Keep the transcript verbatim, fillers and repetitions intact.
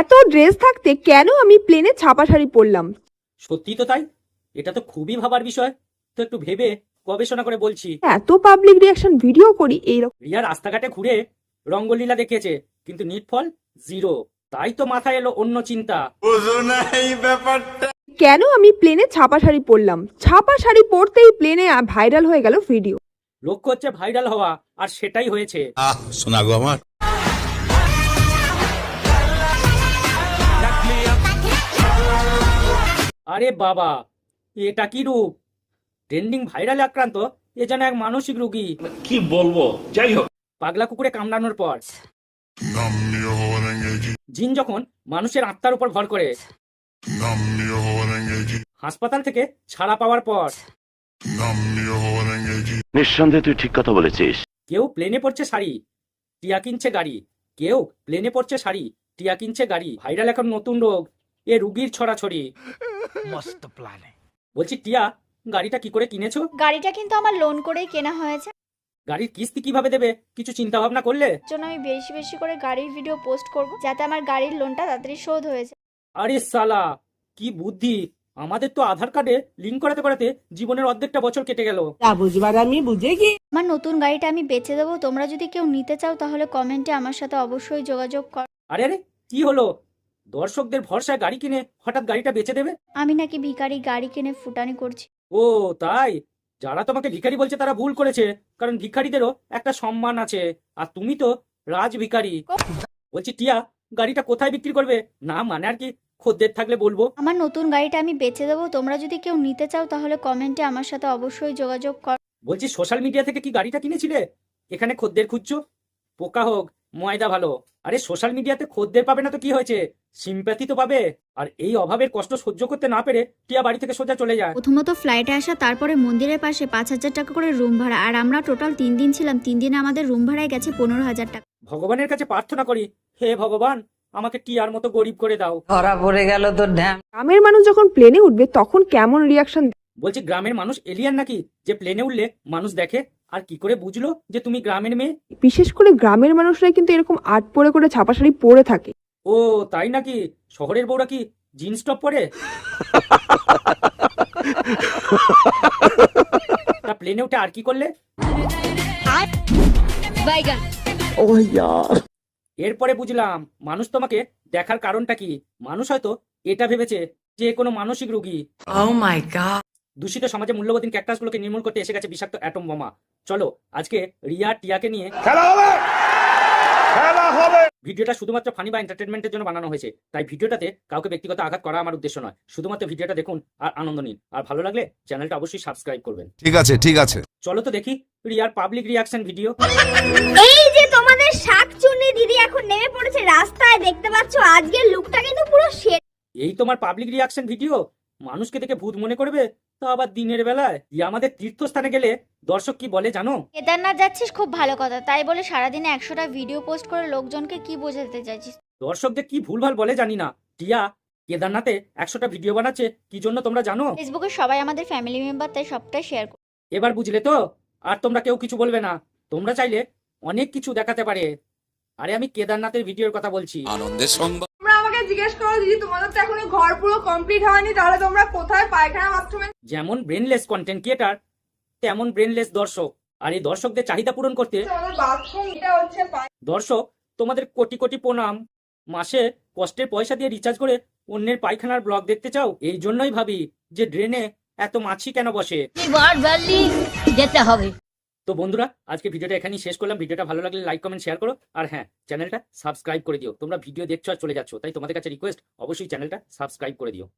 এত ড্রেস থাকতে কেন আমি প্লেনে ছাপা শাড়ি পরলাম? সত্যি তো তাই, এটা তো খুবই ভাবার বিষয়। তো একটু ভেবে গবেষণা করে বলছি। এত পাবলিক রিয়াকশন ভিডিও করি এইরকম। রিয়া রাস্তাঘাটে ঘুরে রঙ্গলীলা দেখিয়েছে, কিন্তু নিটফল জিরো। তাই তো মাথায় এলো অন্য চিন্তা। কেন আমি প্লেনে ছাপা শাড়ি পরলাম? ছাপা শাড়ি পরতেই প্লেনে ভাইরাল হয়ে গেল ভিডিও। লক্ষ্য হচ্ছে ভাইরাল হওয়া, আর সেটাই হয়েছে। আহ শোনা গো আমার। আরে বাবা, এটা কি রূপ! ট্রেন্ডিং ভাইরালে আক্রান্ত এ যেন এক মানসিক রোগী। কি বলবো, যাই হোক। পাগলা কুকুরে কামড়ানোর পর জিন যখন মানুষের আত্মার উপর ভর করে, হাসপাতাল থেকে ছাড়া পাওয়ার পর নিঃসন্দেহে তুই ঠিক কথা বলেছিস। কেউ প্লেনে পড়ছে শাড়ি, টিয়া কিনছে গাড়ি। কেউ প্লেনে পড়ছে শাড়ি, টিয়া কিনছে গাড়ি। ভাইরাল এখন নতুন রোগ, এ রুগীর ছড়াছড়ি। মস্ত প্ল্যানে। বলছি টিয়া, গাড়িটা কি করে কিনেছো? গাড়িটা কিন্তু আমার লোন করেই কেনা হয়েছে। গাড়ির কিস্তি কিভাবে দেবে কিছু চিন্তা ভাবনা করলে? জন্য আমি বেশি বেশি করে গাড়ির ভিডিও পোস্ট করব, যাতে আমার গাড়ির লোনটা তাড়াতাড়ি শোধ হয়ে যায়। আরে সালা, কি বুদ্ধি! আমাদের তো আধার কার্ডে লিঙ্ক করাতে করাতে জীবনের অর্ধেকটা বছর কেটে গেল। আমার নতুন গাড়িটা আমি বেচে দেবো, তোমরা যদি কেউ নিতে চাও তাহলে কমেন্টে আমার সাথে অবশ্যই যোগাযোগ কর। আরে আরে, কি হলো? দর্শকদের ভরসায় গাড়ি কিনে হঠাৎ গাড়িটা বেচে দেবে? আমি নাকি ভিখারি, গাড়ি কিনে ফুটানি করছি? ও তাই? যারা তোমাকে ভিখারি বলছে তারা ভুল করেছে, কারণ ভিখারিদেরও একটা সম্মান আছে, আর তুমি তো রাজ ভিখারি। বলছি টিয়া, গাড়িটা কোথায় বিক্রি করবে? না মানে আর কি, খদ্দের থাকলে বলবো। আমার নতুন গাড়িটা আমি বেচে দেবো, তোমরা যদি কেউ নিতে চাও তাহলে কমেন্টে আমার সাথে অবশ্যই যোগাযোগ কর। বলছি সোশ্যাল মিডিয়া থেকে কি গাড়িটা কিনেছিলে? এখানে খদ্দের খুঁজছো? পোকা হোক ময়দা ভালো। আরে সোশ্যাল মিডিয়াতে খদ্দের পাবে না তো কি হয়েছে, সিম্প্যাথি তো পাবে। আর এই অভাবের কষ্ট সহ্য করতে না পেরে টিয়া বাড়ি থেকে সোজা চলে যায়। প্রথমত ফ্লাইটে আসা, তারপরে মন্দিরের পাশে পাঁচ হাজার টাকা করে রুম ভাড়া, আর আমরা টোটাল তিন দিন ছিলাম। তিন দিনে আমাদের রুম ভাড়ায় গেছে পনেরো হাজার টাকা। ভগবানের কাছে প্রার্থনা করি, হে ভগবান আমাকে টিয়ার মতো গরিব করে দাও। ধরা পড়ে গেল তোর ঢ্যাম। গ্রামের মানুষ যখন প্লেনে উঠবে তখন কেমন রিয়াকশন? বলছি গ্রামের মানুষ এলিয়ান নাকি যে প্লেনে উঠলে মানুষ দেখে? আর কি করে বুঝলো যে তুমি গ্রামের মেয়ে? বিশেষ করে গ্রামের মানুষরাই কিন্তু এরকম আট পরে করে ছাপা শাড়ি পরে থাকে। ও তাই নাকি? শহরের বউরা কি জিন্স টপ পরে? তা প্লেনে উঠে আর কি করলে? এরপরে বুঝলাম মানুষ তোমাকে দেখার কারণটা কি। মানুষ হয়তো এটা ভেবেছে যে কোনো মানসিক রোগী। Oh my god. দূষিত সমাজে মূল্যবোধীন ক্যাকটাসগুলোকে নির্মূল করতে এসে গেছে বিষাক্ত অ্যাটম বোমা। চলো আজকে রিয়া টিয়াকে নিয়ে খেলা হবে, খেলা হবে। ভিডিওটা শুধুমাত্র ফানি বা এন্টারটেনমেন্টের জন্য বানানো হয়েছে, তাই ভিডিওটাতে কাউকে ব্যক্তিগত আঘাত করা আমার উদ্দেশ্য নয়। শুধুমাত্র ভিডিওটা দেখুন আর আনন্দ নিন। আর ভালো লাগলে চ্যানেলটা অবশ্যই সাবস্ক্রাইব করবেন। ঠিক আছে ঠিক আছে। চলো তো দেখি রিয়ার পাবলিক রিয়াকশন ভিডিও। এই যে তোমাদের শাকচুন্নি দিদি এখন নেমে পড়েছে রাস্তায়, দেখতে পাচ্ছ আজকের লুকটা কিন্তু পুরো সেট। এই তোমার পাবলিক রিয়াকশন ভিডিও? মানুষকে দেখে ভূত মনে করবে, তা আবার দিনের বেলায়। রিয়া আমাদের তীর্থস্থানে গেলে দর্শক কি বলে জানো? কেদারনাথ যাচ্ছিস, খুব ভালো কথা। তাই বলে সারাদিনে একশোটা ভিডিও পোস্ট করে লোকজনকে কি বোঝাতে চাইছিস? দর্শকদের কি ভুলভাল বলে জানি না। টিয়া কেদারনাথে একশোটা ভিডিও বানাচ্ছে কি জন্য তোমরা জানো? ফেসবুকে সবাই আমাদের ফ্যামিলি মেম্বার, তাই সবটাই শেয়ার কর। এবার বুঝলে তো? আর তোমরা কেউ কিছু বলবে না। তোমরা চাইলে অনেক কিছু দেখাতে পারে। আরে আমি কেদারনাথের ভিডিওর কথা বলছি। আনন্দের সংবাদ। তোমরা আমাকে জিজ্ঞেস করো দিদি তোমাদের তো এখনো ঘর পুরো কমপ্লিট হয়নি, তাহলে তোমরা কোথায় পায়খানা বাথরুমে? যেমন ব্রেনলেস কন্টেন্ট ক্রিয়েটার, তেমন ব্রেনলেস দর্শক। আর এই দর্শকদের চাহিদা পূরণ করতে আমাদের বাথরুম এটা হচ্ছে দর্শক তোমাদের কোটি কোটি প্রণাম। মাসে কষ্টের পয়সা দিয়ে রিচার্জ করে অন্যের পায়খানার ব্লগ দেখতে চাও? এই জন্যই ভাবি যে ড্রেনে এত মাছি কেন বসে। যেতে হবে। তো বন্ধুরা, আজকে ভিডিওটা এখানেই শেষ করলাম। ভিডিওটা ভালো লাগলে লাইক কমেন্ট শেয়ার করো, আর হ্যাঁ চ্যানেলটা সাবস্ক্রাইব করে দিও। তোমরা ভিডিও দেখছো আর চলে যাচ্ছ, তাই তোমাদের কাছে রিকোয়েস্ট অবশ্যই চ্যানেলটা সাবস্ক্রাইব করে দিও।